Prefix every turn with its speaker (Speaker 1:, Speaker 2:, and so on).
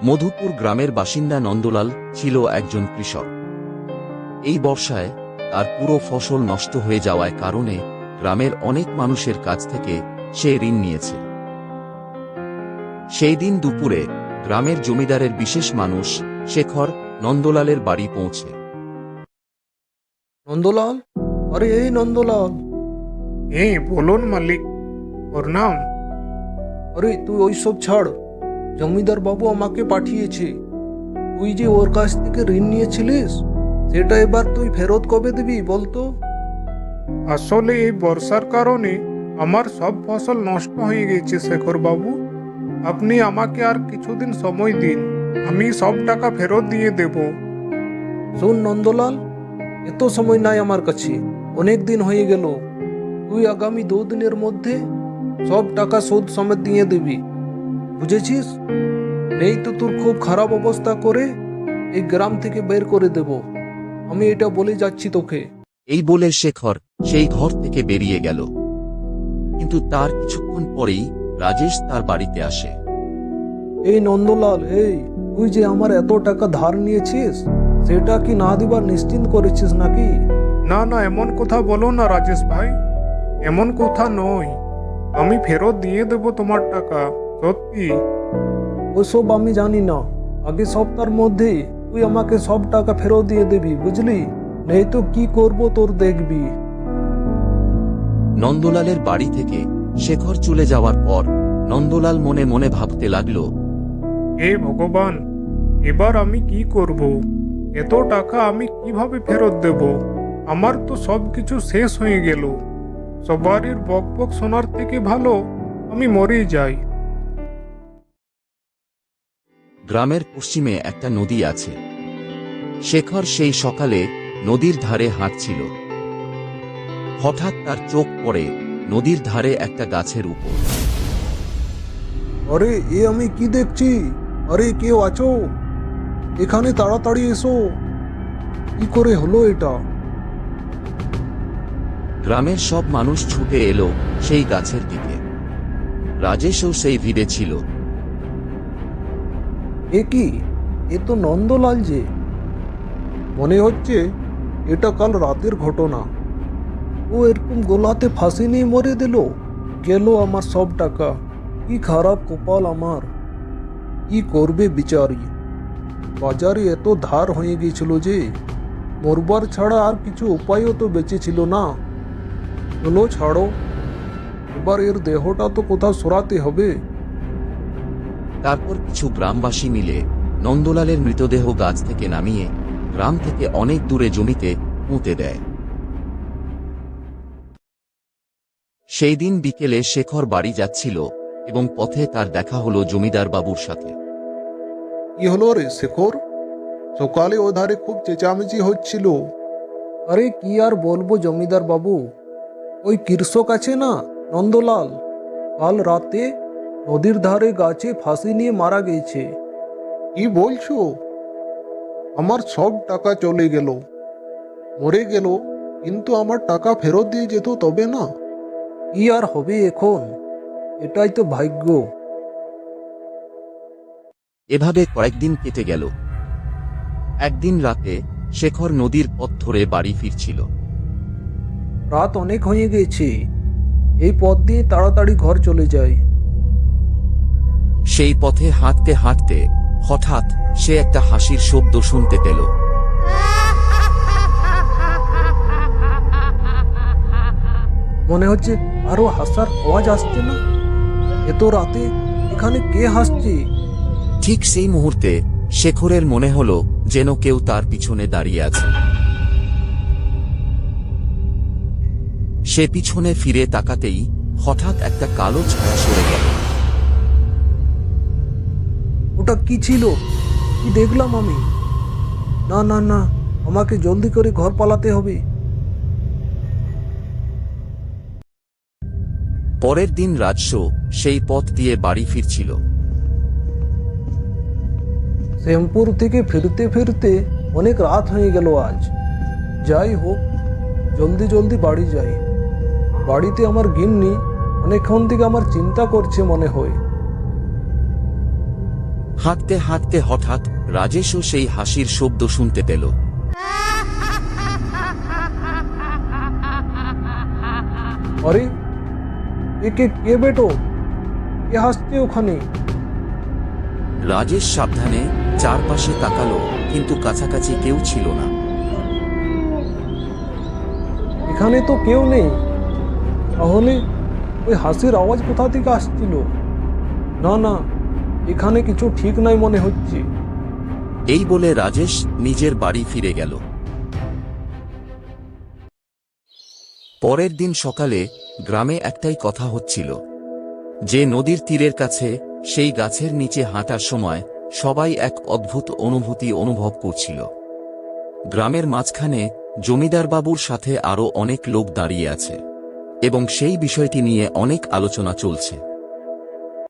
Speaker 1: মধুপুর গ্রামের বাসিন্দা নন্দলাল ছিল একজন কৃষক। এই বর্ষায় তার পুরো ফসল নষ্ট হয়ে যাওয়ার কারণে গ্রামের অনেক মানুষের কাছ থেকে সে ঋণ নিয়েছে। সেই দিন দুপুরে গ্রামের জমিদারের বিশেষ মানুষ শেখর নন্দলালের বাড়ি পৌঁছে।
Speaker 2: নন্দলাল, আরে এই নন্দলাল,
Speaker 3: বলুন মালিক, প্রণাম।
Speaker 2: আরে তুই ওইসব ছাড়। জমিদার বাবু আমাকে পাঠিয়েছে। তুই যে ওর কাছ থেকে ঋণ নিয়েছিলিস, সেটা এবার তুই ফেরত কবে দিবি বলতো?
Speaker 3: আসলে এই বর্ষার কারণে আমার সব ফসল নষ্ট হয়ে গেছে শেখর বাবু। আপনি আমাকে আর কিছুদিন সময় দিন, আমি সব টাকা ফেরত দিয়ে দেব।
Speaker 2: শোন নন্দলাল, এত সময় নাই আমার কাছে, অনেক দিন হয়ে গেল। তুই আগামী 2 দিনের মধ্যে সব টাকা শোধ সমেত দিয়ে দিবি, বুঝেছিস? নেই তো তোর খুব খারাপ অবস্থা করে এই গ্রাম থেকে বের করে দেব। আমি এটা বলে যাচ্ছি তোকে।
Speaker 1: এই বলে শেখর সেই ঘর থেকে বেরিয়ে গেল। কিন্তু তার কিছুক্ষণ পরেই রাজেশ তার বাড়িতে আসে।
Speaker 2: এই নন্দলাল, তুই যে আমার এত টাকা ধার নিয়েছিস, সেটা কি না দিবার নিশ্চিন্ত করেছিস নাকি?
Speaker 3: না না, এমন কথা বলো না রাজেশ ভাই, এমন কথা নয়। আমি ফেরত দিয়ে দেব তোমার টাকা, সত্যি।
Speaker 2: ওসব আমি জানি না। আগে সপ্তাহের মধ্যে তুই আমাকে সব টাকা ফেরত দিয়ে দিবি, বুঝলি? নেই তো কি করব তোর দেখবি।
Speaker 1: নন্দলালের বাড়ি থেকে শেখর চলে যাওয়ার পর নন্দলাল মনে মনে ভাবতে লাগল,
Speaker 3: হে ভগবান, এবার আমি কি করব? এত টাকা আমি কিভাবে ফেরত দেব? আমার তো সবকিছু শেষ হয়ে গেল। সবারই বকবক শোনার থেকে ভালো আমি মরেই যাই।
Speaker 1: গ্রামের পশ্চিমে একটা নদী আছে। শেখর সেই সকালে নদীর ধারে হাঁটছিল। হঠাৎ তার চোখ পড়ে নদীর ধারে একটা গাছের উপর।
Speaker 2: আরে আমি কি দেখছি? আরে কেউ আছো এখানে? তাড়াতাড়ি এসো। কি করে হলো এটা?
Speaker 1: গ্রামের সব মানুষ ছুটে এলো সেই গাছের দিকে। রাজেশও সেই ভিড়ে ছিল।
Speaker 2: এ কি? এ তো নন্দলাল যে। মনে হচ্ছে এটা কাল রাতের ঘটনা। ও এরকম গোলাতে ফাঁসি নিয়ে মরে দিল। গেল আমার সব টাকা। কি খারাপ কপাল আমার। কি করবে বিচারি? বাজারে এত ধার হয়ে গিয়েছিল যে মরবার ছাড়া আর কিছু উপায়ও তো বেঁচে ছিল না। হলো, ছাড়ো। এবার এর দেহটা তো কোথাও সরাতে হবে।
Speaker 1: তারপর কিছু গ্রামবাসী মিলে নন্দলালের মৃতদেহ গাছ থেকে নামিয়ে গ্রাম থেকে অনেক দূরে জমিতে পুঁতে দেয়। সেই দিন বিকেলে শেখর বাড়ি যাচ্ছিল এবং পথে তার দেখা হলো জমিদার বাবুর সাথে।
Speaker 2: কি হলো রে শেখর? সকালে ও ধারে খুব চেঁচামেচি হচ্ছিল। আরে কি আর বলবো জমিদার বাবু, ওই কৃষক আছে না নন্দলাল, কাল রাতে নদীর ধারে গাছে ফাঁসি নিয়ে মারা গেছে। কি বলছো? আমার সব টাকা চলে গেল। মরে গেল, কিন্তু আমার টাকা ফেরত দিয়ে যেত তবে না। কি আর হবে এখন? এটাই তো ভাগ্য।
Speaker 1: এভাবে কয়েকদিন কেটে গেল। একদিন রাতে শেখর নদীর পথ ধরে বাড়ি ফিরছিল।
Speaker 2: রাত অনেক হয়ে গেছে, এই পথ দিয়ে তাড়াতাড়ি ঘর চলে যায়।
Speaker 1: সেই পথে হাঁটতে হাঁটতে হঠাৎ সে একটা হাসির শব্দ শুনতে পেল।
Speaker 2: মনে হচ্ছে আরো হাসার আওয়াজ আসছে না? এত রাতে এখানে কে হাসছে?
Speaker 1: ঠিক সেই মুহূর্তে শেখরের মনে হলো যেন কেউ তার পিছনে দাঁড়িয়ে আছে। সে পিছনে ফিরে তাকাতেই হঠাৎ একটা কালো ছায়া সরে গেল।
Speaker 2: ওটা কি ছিল? কি দেখলাম আমি? না না না, আমাকে জলদি করে ঘর পালাতে হবে।
Speaker 1: পরের দিন রাজস্ব সেই পথ দিয়ে বাড়ি ফিরছিল।
Speaker 2: শ্যামপুর থেকে ফিরতে ফিরতে অনেক রাত হয়ে গেল আজ। যাই হোক, জলদি জলদি বাড়ি যাই। বাড়িতে আমার গিন্নি অনেকক্ষণ থেকে আমার চিন্তা করছে মনে হয়।
Speaker 1: হাঁটতে হাঁটতে হঠাৎ রাজেশও সেই হাসির শব্দ শুনতে পেল।
Speaker 2: আরে একে কে বেটো, কে হাসছে ওখানে?
Speaker 1: রাজেশ সাবধানে চারপাশে তাকালো, কিন্তু কাছাকাছি কেউ ছিল না।
Speaker 2: এখানে তো কেউ নেই, তাহলে ওই হাসির আওয়াজ কোথা থেকে আসছিল? না না, এখানে কিছু ঠিক নাই মনে হচ্ছে।
Speaker 1: এই বলে রাজেশ নিজের বাড়ি ফিরে গেল। পরের দিন সকালে গ্রামে একটাই কথা হচ্ছিল, যে নদীর তীরের কাছে সেই গাছের নিচে হাঁটার সময় সবাই এক অদ্ভুত অনুভূতি অনুভব করছিল। গ্রামের মাঝখানে জমিদার বাবুর সাথে আরো অনেক লোক দাঁড়িয়ে আছে এবং সেই বিষয়টি নিয়ে অনেক আলোচনা চলছে।